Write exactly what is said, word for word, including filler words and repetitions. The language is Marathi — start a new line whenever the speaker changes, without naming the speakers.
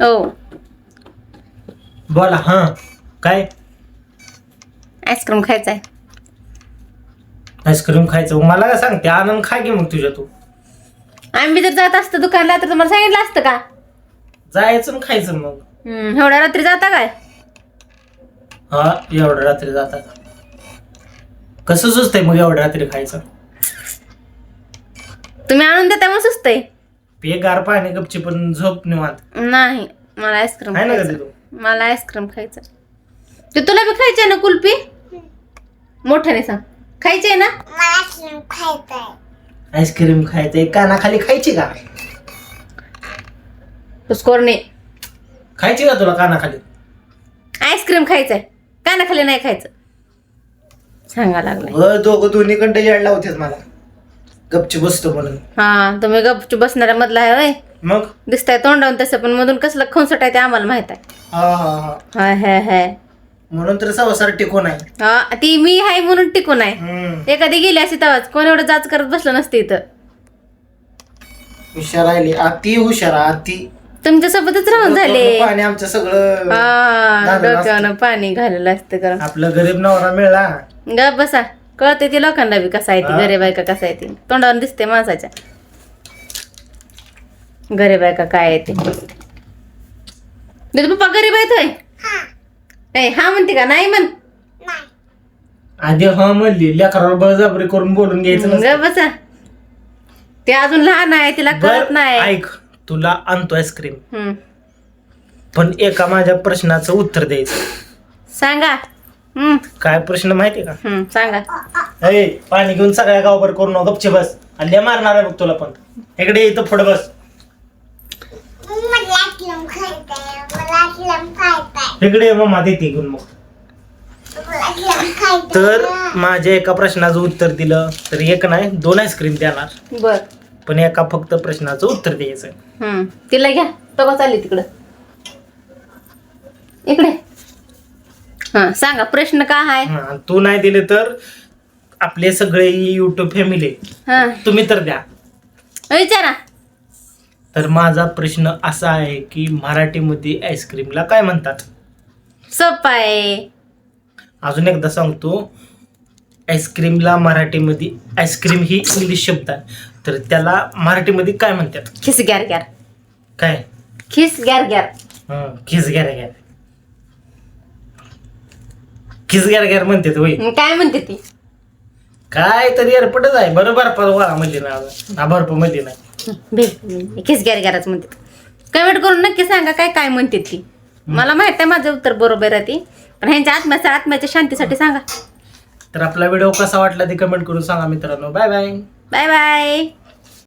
हो.
बोला. हा काय
आईस्क्रीम खायचंय.
आईस्क्रीम खायचं मला काय सांगते आनंद खा की मग तुझ्या तू.
आम्ही जर जात असतो दुकानला तर तुम्हाला सांगितलं असतं का?
जायचं आणि खायचं मग.
हम्म एवढ्या रात्री जाता काय?
हा एवढ्या रात्री जाता का? कसं सुचतंय मग एवढ्या रात्री खायचं?
तुम्ही आणून देता मग सुचतंय.
पे गार पाणी गपची पण झोप निवांत.
नाही मला आईस्क्रीम
आहे ना
खायचं.
कधी तू?
मला आईस्क्रीम खायचं. ते तुला बी खायचंय ना कुल्फी? मोठ्याने सांग. खायचंय ना?
आईस्क्रीम खायचंय कानाखाली खायची का?
पुष्कोरणे
खायची का तुला कानाखाली?
आईस्क्रीम खायचंय कानाखाली नाही खायचं. सांगा लागलाय.
व दोघं दोन्ही कंटे याड लावतेस मला. गपची बसतो म्हणून.
हा तुम्ही गपचूप बसणाऱ्या मधला आहे होय.
मग
दिसताय तोंडावून तसं पण मधून कसलं खंसट आहे ते आम्हाला माहित आहे.
हा हा हा
हाय हाय हाय.
म्हणून तर संसार टिकून आहे.
हा ती मी हाय म्हणून टिकून आहे.
हम्म.
एखादी गेली अशी तवाच कोण एवढं जाच करत बसलं नसते इथं.
हुशार राहिली अति हुशार अति.
तुमच्या सोबतच राहून झाले.
पाणी आमचं सगळं
हा
झालेलं
डोक्यानं पाणी घालेलं असतं कारण.
आपला गरीब नवरा मिळला.
ग बसा कळते ती लोकांना बी कसा आहे ती
हा.
गरीब आहे का कसा आहे ती तोंडावर दिसते माणसाच्या. गरीब आहे का काय आहे ते. पप्पा गरीब आहेत होय. नाही हा म्हणते का नाही म्हण.
आधी हा म्हणली लेकरावर बळजबरी करून बोलून घ्यायचं
ग
नसतं.
बसा ते अजून लहान आहे तिला कळत
बरं,
नाही.
ऐक तुला आणतो आईस्क्रीम
हम्म.
पण एका माझ्या प्रश्नाचं उत्तर द्यायचं.
सांगा. हम्म
काय प्रश्न माहितीये का?
हम्म सांगा.
अरे पाणी घेऊन सगळ्या गावभर करून नको, गपचे बस. हल्ले मारणार आहे बघ तुला पण. इकडे इथं पुढे बस. इकडे ये मम्मा देते घेऊन मग. तर माझ्या एका प्रश्नाचं उत्तर दिलं तर एक नाही दोन आईस्क्रीम देणार.
बर
पण एका फक्त प्रश्नाचं उत्तर द्यायचं.
हम्म तिला घ्या तो चालली तिकडं इकडे. हा सांगा प्रश्न काय आहे.
हा, तू नाही दिले तर आपले सगळे युट्यूब फॅमिली
हा
तुम्ही तर द्या.
विचारा.
तर माझा प्रश्न असा आहे की मराठीमध्ये आईस्क्रीमला काय म्हणतात?
सोपं आहे.
अजून एकदा सांगतो. आईस्क्रीमला मराठीमध्ये आईस्क्रीम ही इंग्लिश शब्द आहे तर त्याला मराठीमध्ये काय म्हणतात?
खिस ग्यार ग्यार.
काय?
खिस ग्यार ग्यार.
हं, खिस घ्या घ्या खिस घ्या घ्या म्हणतात होय.
मग काय म्हणते ती?
काय तरी एअरपटच आहे बरोबर वाळा म्हणली ना बर्फ म्हणली नाही.
भेट खिस ग्यार ग्यारच म्हणते. कमेंट करून नक्की सांगा काय काय म्हणते ती. मला माहित आहे माझं उत्तर बरोबर आहे ती पण ह्यांच्या आत्म्याच्या आत्म्याच्या शांतीसाठी सांगा.
तर आपला व्हिडिओ कसा वाटला ते कमेंट करून सांगा मित्रांनो. Bye bye.
Bye bye.